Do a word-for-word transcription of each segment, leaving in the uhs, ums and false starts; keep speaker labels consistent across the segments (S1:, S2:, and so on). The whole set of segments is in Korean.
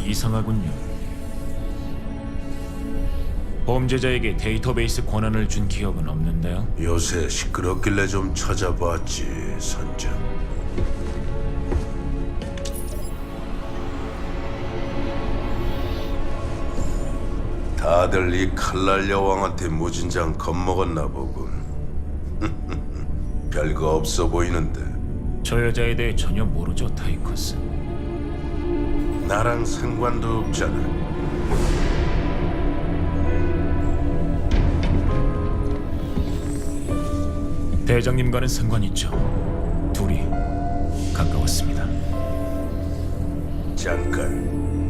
S1: 이상하군요. 범죄자에게 데이터베이스 권한을 준 기억은 없는데요.
S2: 요새 시끄럽길래 좀 찾아봤지, 선장. 다들 이 칼날 여왕한테 무진장 겁먹었나 보군. 별거 없어 보이는데.
S1: 저 여자에 대해 전혀 모르죠, 타이커스.
S2: 나랑 상관도 없잖아.
S1: 대장님과는 상관 있죠. 둘이 가까웠습니다.
S2: 잠깐.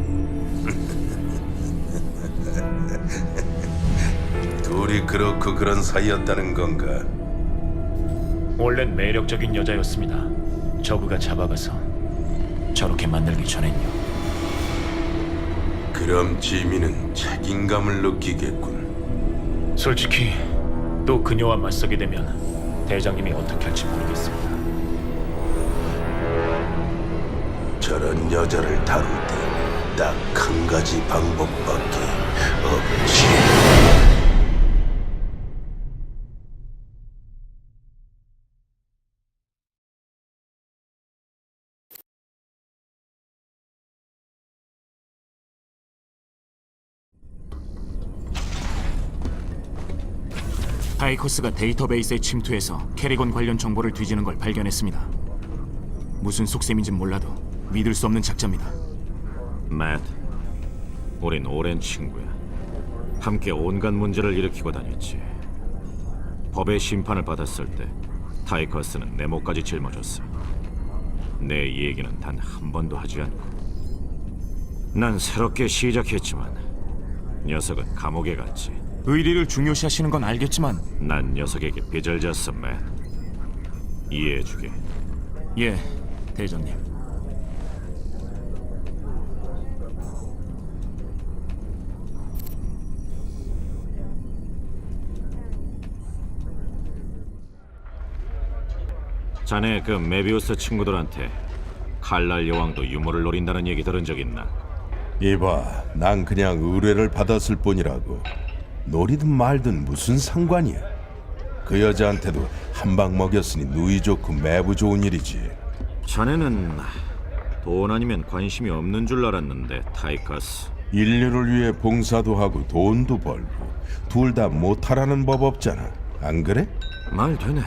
S2: 둘이 그렇고 그런 사이였다는 건가?
S1: 원래는 매력적인 여자였습니다. 저그가 잡아가서 저렇게 만들기 전엔요.
S2: 그럼 지민은 책임감을 느끼겠군.
S1: 솔직히 또 그녀와 맞서게 되면 대장님이 어떻게 할지 모르겠습니다.
S2: 저런 여자를 다룰 때 딱 한 가지 방법밖에 없지.
S3: 타이커스가 데이터베이스에 침투해서 캐리건 관련 정보를 뒤지는 걸 발견했습니다. 무슨 속셈인진 몰라도 믿을 수 없는 작자입니다.
S4: 맷, 우린 오랜 친구야. 함께 온갖 문제를 일으키고 다녔지. 법의 심판을 받았을 때 타이커스는 내 목까지 짊어졌어. 내 얘기는 단 한 번도 하지 않고. 난 새롭게 시작했지만 녀석은 감옥에 갔지.
S3: 의리를 중요시하시는 건 알겠지만
S4: 난 녀석에게 빚을 졌어, 맷. 이해해주게.
S3: 예, 대장님.
S4: 자네 그 메비우스 친구들한테 칼날 여왕도 유머를 노린다는 얘기 들은 적 있나?
S2: 이봐, 난 그냥 의뢰를 받았을 뿐이라고. 노리든 말든 무슨 상관이야. 그 여자한테도 한 방 먹였으니 누이 좋고 매부 좋은 일이지.
S4: 자네는 돈 아니면 관심이 없는 줄 알았는데, 타이커스.
S2: 인류를 위해 봉사도 하고 돈도 벌고 둘 다 못하라는 법 없잖아. 안 그래?
S4: 말 되네.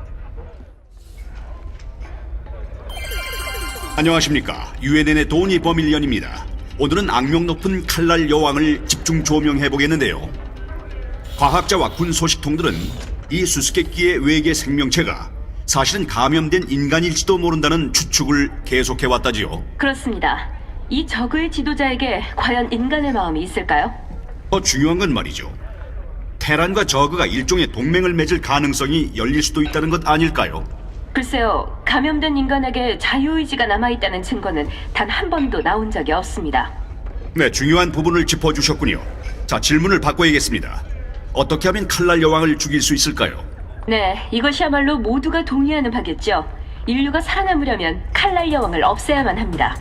S5: 안녕하십니까. 유엔엔의 도니 버밀리언입니다. 오늘은 악명 높은 칼날 여왕을 집중 조명해보겠는데요. 과학자와 군 소식통들은 이 수수께끼의 외계 생명체가 사실은 감염된 인간일지도 모른다는 추측을 계속해왔다지요.
S6: 그렇습니다. 이 저그의 지도자에게 과연 인간의 마음이 있을까요?
S5: 더 중요한 건 말이죠. 테란과 저그가 일종의 동맹을 맺을 가능성이 열릴 수도 있다는 것 아닐까요?
S6: 글쎄요, 감염된 인간에게 자유의지가 남아있다는 증거는 단 한 번도 나온 적이 없습니다.
S5: 네, 중요한 부분을 짚어주셨군요. 자, 질문을 바꿔야겠습니다. 어떻게 하면 칼날 여왕을 죽일 수 있을까요?
S6: 네, 이것이야말로 모두가 동의하는 바겠죠. 인류가 살아남으려면 칼날 여왕을 없애야만 합니다.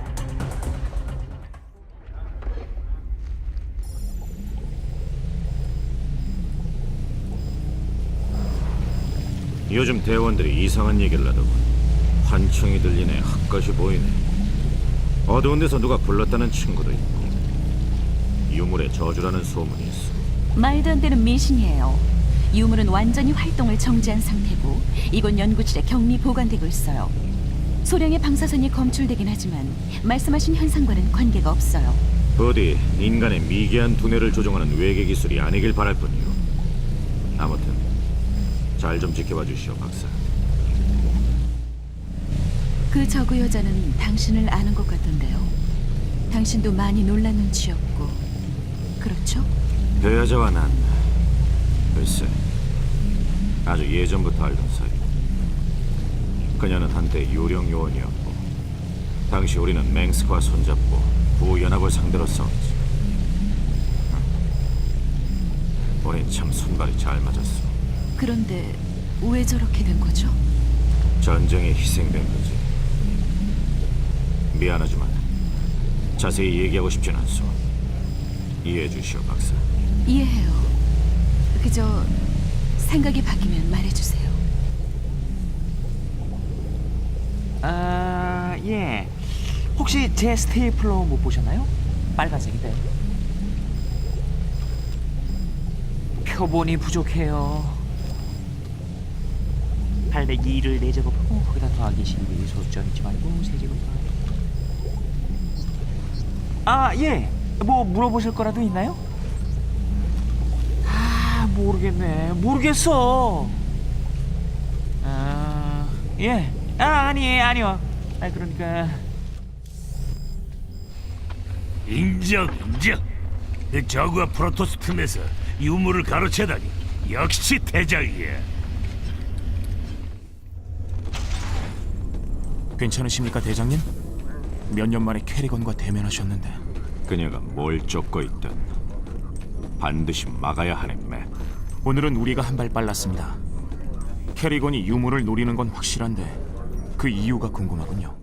S4: 요즘 대원들이 이상한 얘기를 하더군. 환청이 들리네, 헛것이 보이네. 어두운 데서 누가 불렀다는 친구도 있고, 유물의 저주라는 소문이 있어.
S7: 말도 안 되는迷信이에요. 유물은 완전히 활동을 정지한 상태고 이곳 연구실에 격리 보관되고 있어요. 소량의 방사선이 검출되긴 하지만 말씀하신 현상과는 관계가 없어요.
S4: 부디 인간의 미개한 두뇌를 조종하는 외계 기술이 아니길 바랄 뿐이요. 아무튼 잘 좀 지켜봐 주시오, 박사.
S7: 그 저그 여자는 당신을 아는 것 같던데요. 당신도 많이 놀란 눈치였고, 그렇죠?
S4: 그 여자와 난 글쎄 아주 예전부터 알던 사이. 그녀는 한때 유령 요원이었고, 당시 우리는 맹스크와 손잡고 부연합을 상대로 싸웠지. 우린 참 손발이 잘 맞았어.
S7: 그런데 왜 저렇게 된 거죠?
S4: 전쟁에 희생된 거지. 미안하지만 자세히 얘기하고 싶진 않소. 이해해 주시오, 박사.
S7: 이해해요. 그저 생각이 바뀌면 말해주세요.
S8: 아, 예. 혹시 제 스테이플러 못 보셨나요? 빨간색인데. 표본이 부족해요. 팔백이 를 네 제곱하고 거기다 더하기 십이 소수점 잊지 말고 세 제곱. 아, 예. 뭐 물어보실 거라도 있나요? 아, 모르겠네. 모르겠어. 아, 예. 아, 아니, 아니요. 아, 그러니까
S9: 인정, 인정. 저그와 프로토스 틈에서 유물을 가로채다니 역시 대장이야.
S3: 괜찮으십니까, 대장님? 몇 년 만에 캐리건과 대면하셨는데.
S4: 그녀가 뭘 쫓고 있든 반드시 막아야 하네, 맷.
S3: 오늘은 우리가 한 발 빨랐습니다. 캐리건이 유물을 노리는 건 확실한데 그 이유가 궁금하군요.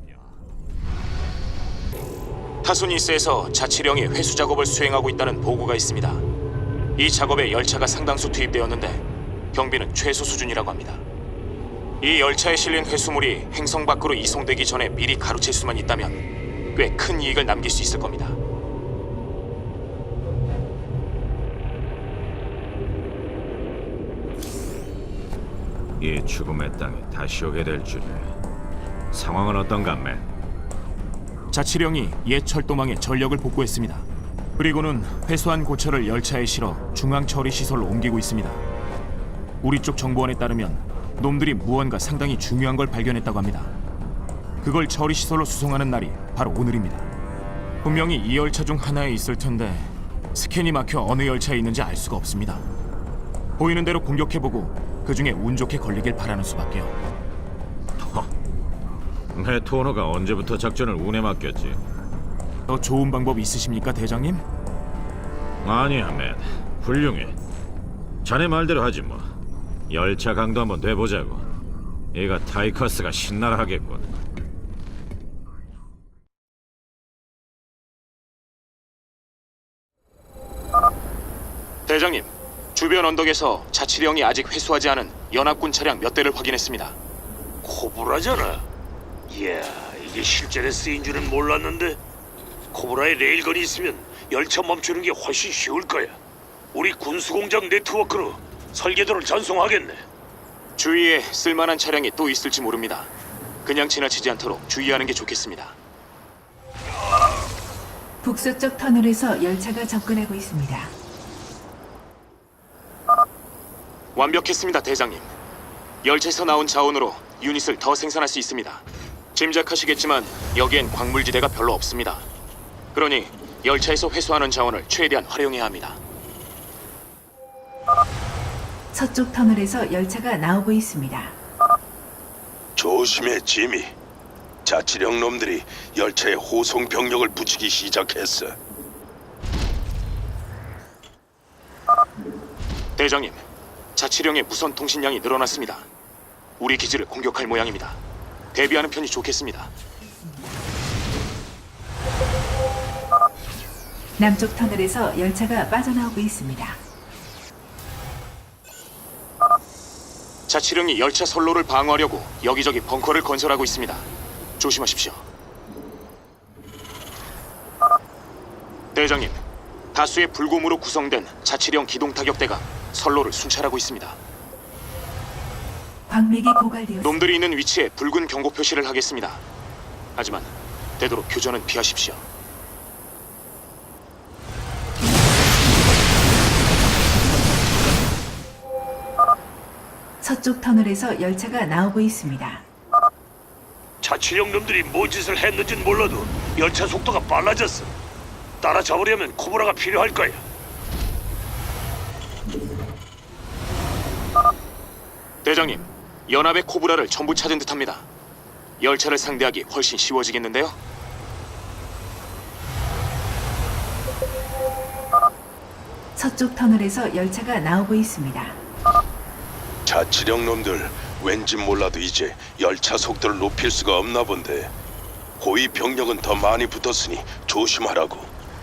S3: 타소니스에서 자치령이 회수 작업을 수행하고 있다는 보고가 있습니다. 이 작업에 열차가 상당수 투입되었는데 경비는 최소 수준이라고 합니다. 이 열차에 실린 회수물이 행성 밖으로 이송되기 전에 미리 가로챌 수만 있다면 꽤 큰 이익을 남길 수 있을 겁니다.
S4: 이 죽음의 땅에 다시 오게 될 줄이야. 상황은 어떤가, 맷?
S3: 자치령이 옛 철도망에 전력을 복구했습니다. 그리고는 회수한 고철을 열차에 실어 중앙 처리 시설로 옮기고 있습니다. 우리 쪽 정보원에 따르면 놈들이 무언가 상당히 중요한 걸 발견했다고 합니다. 그걸 처리 시설로 수송하는 날이 바로 오늘입니다. 분명히 이 열차 중 하나에 있을 텐데 스캔이 막혀 어느 열차에 있는지 알 수가 없습니다. 보이는 대로 공격해보고 그 중에 운 좋게 걸리길 바라는 수밖에요.
S4: 내 토너가 언제부터 작전을 운에 맡겼지?
S3: 더 좋은 방법 있으십니까, 대장님?
S4: 아니야, 맷. 훌륭해. 자네 말대로 하지 뭐. 열차 강도 한번 돼보자고. 얘가 타이커스가 신나라 하겠군.
S3: 대장님, 주변 언덕에서 자치령이 아직 회수하지 않은 연합군 차량 몇 대를 확인했습니다.
S9: 코브라잖아. 이야, 이게 실전에 쓰인 줄은 몰랐는데 코브라에 레일건이 있으면 열차 멈추는 게 훨씬 쉬울 거야. 우리 군수공장 네트워크로 설계도를 전송하겠네.
S3: 주위에 쓸만한 차량이 또 있을지 모릅니다. 그냥 지나치지 않도록 주의하는 게 좋겠습니다.
S10: 북서쪽 터널에서 열차가 접근하고 있습니다.
S3: 완벽했습니다, 대장님. 열차에서 나온 자원으로 유닛을 더 생산할 수 있습니다. 짐작하시겠지만 여기엔 광물지대가 별로 없습니다. 그러니 열차에서 회수하는 자원을 최대한 활용해야 합니다.
S10: 서쪽 터널에서 열차가 나오고 있습니다.
S2: 조심해, 지미. 자치령 놈들이 열차에 호송 병력을 붙이기 시작했어.
S3: 대장님, 자치령의 무선 통신량이 늘어났습니다. 우리 기지를 공격할 모양입니다. 대비하는 편이 좋겠습니다.
S10: 남쪽 터널에서 열차가 빠져나오고 있습니다.
S3: 자치령이 열차 선로를 방어하려고 여기저기 벙커를 건설하고 있습니다. 조심하십시오. 대장님, 다수의 불곰으로 구성된 자치령 기동 타격대가 선로를 순찰하고 있습니다.
S10: 광맥이 고갈되었습니다.
S3: 놈들이 있는 위치에 붉은 경고 표시를 하겠습니다. 하지만 되도록 교전은 피하십시오.
S10: 서쪽 터널에서 열차가 나오고 있습니다.
S9: 자치령 놈들이 뭐 짓을 했는진 몰라도 열차 속도가 빨라졌어. 따라잡으려면 코브라가 필요할 거야.
S3: 대장님, 연합의 코브라를 전부 찾은 듯합니다. 열차를 상대하기 훨씬 쉬워지겠는데요?
S10: 서쪽 터널에서 열차가 나오고 있습니다.
S2: 자치령 놈들 왠지 몰라도 이제 열차 속도를 높일 수가 없나 본데. 고위 병력은 더 많이 붙었으니 조심하라고.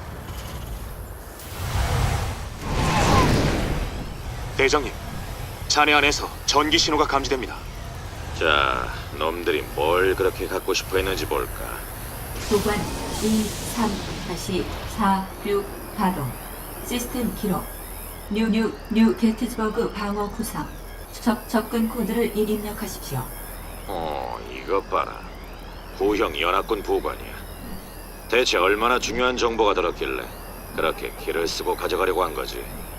S3: 대장님, 잔해 안에서 전기 신호가 감지됩니다.
S4: 자, 놈들이 뭘 그렇게 갖고 싶어 했는지 볼까.
S10: 도관 이, 삼, 사, 육 가동. 시스템 기록. 뉴뉴 뉴 게티즈버그 방어 구상. 적 접근 코드를 입력하십시오.
S4: 어, 이것 봐라. 구형 연합군 부관이야. 대체 얼마나 중요한 정보가 들었길래 그렇게 기를 쓰고 가져가려고 한 거지?